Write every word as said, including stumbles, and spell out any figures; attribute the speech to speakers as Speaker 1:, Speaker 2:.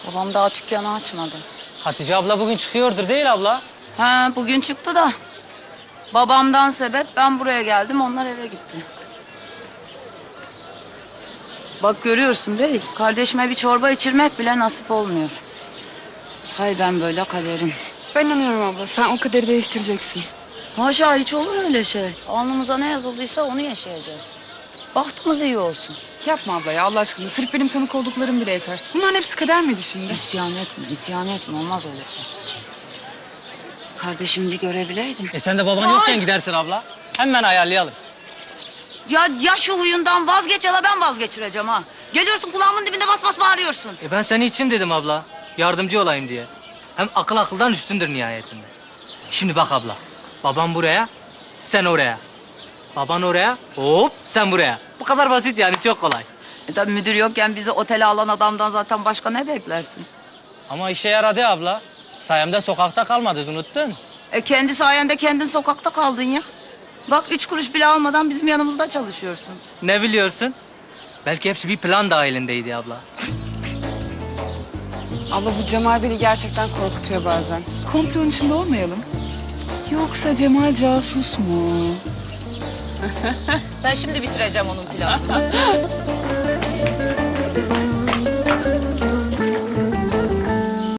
Speaker 1: Babam daha dükkanı açmadı.
Speaker 2: Hatice abla bugün çıkıyordur değil abla?
Speaker 1: Ha, bugün çıktı da. Babamdan sebep ben buraya geldim, onlar eve gitti. Bak görüyorsun değil, kardeşime bir çorba içirmek bile nasip olmuyor. Hay ben böyle kaderim.
Speaker 3: Ben inanıyorum abla. Sen o kaderi değiştireceksin.
Speaker 1: Haşa hiç olur öyle şey. Alnımıza ne yazıldıysa onu yaşayacağız. Bahtımız iyi olsun.
Speaker 3: Yapma abla ya Allah aşkına. Sırf benim tanık olduklarım bile yeter. Bunların hepsi kader miydi şimdi?
Speaker 1: İsyan etme, isyan etme. Olmaz öyle şey. Kardeşimi bir görebileydim.
Speaker 2: E sen de baban yokken gidersin abla. Hemen ayarlayalım.
Speaker 1: Ya, ya şu huyundan vazgeç ya da ben vazgeçireceğim ha. Geliyorsun kulağımın dibinde bas bas bağırıyorsun.
Speaker 4: E ben senin için dedim abla. Yardımcı olayım diye. Hem akıl akıldan üstündür nihayetinde. Şimdi bak abla. Babam buraya, sen oraya. Baban oraya, hop sen buraya. Bu kadar basit yani, çok kolay.
Speaker 1: E tabii müdür yokken bizi otele alan adamdan zaten başka ne beklersin?
Speaker 2: Ama işe yaradı abla. Sayemde sokakta kalmadınız, unuttun.
Speaker 1: E kendi sayende kendin sokakta kaldın ya. Bak üç kuruş bile almadan bizim yanımızda çalışıyorsun.
Speaker 4: Ne biliyorsun? Belki hepsi bir plan dahilindeydi abla.
Speaker 3: Abla bu Cemal beni gerçekten korkutuyor bazen. Komplonun içinde olmayalım. Yoksa Cemal casus mu?
Speaker 1: Ben şimdi bitireceğim onun planını.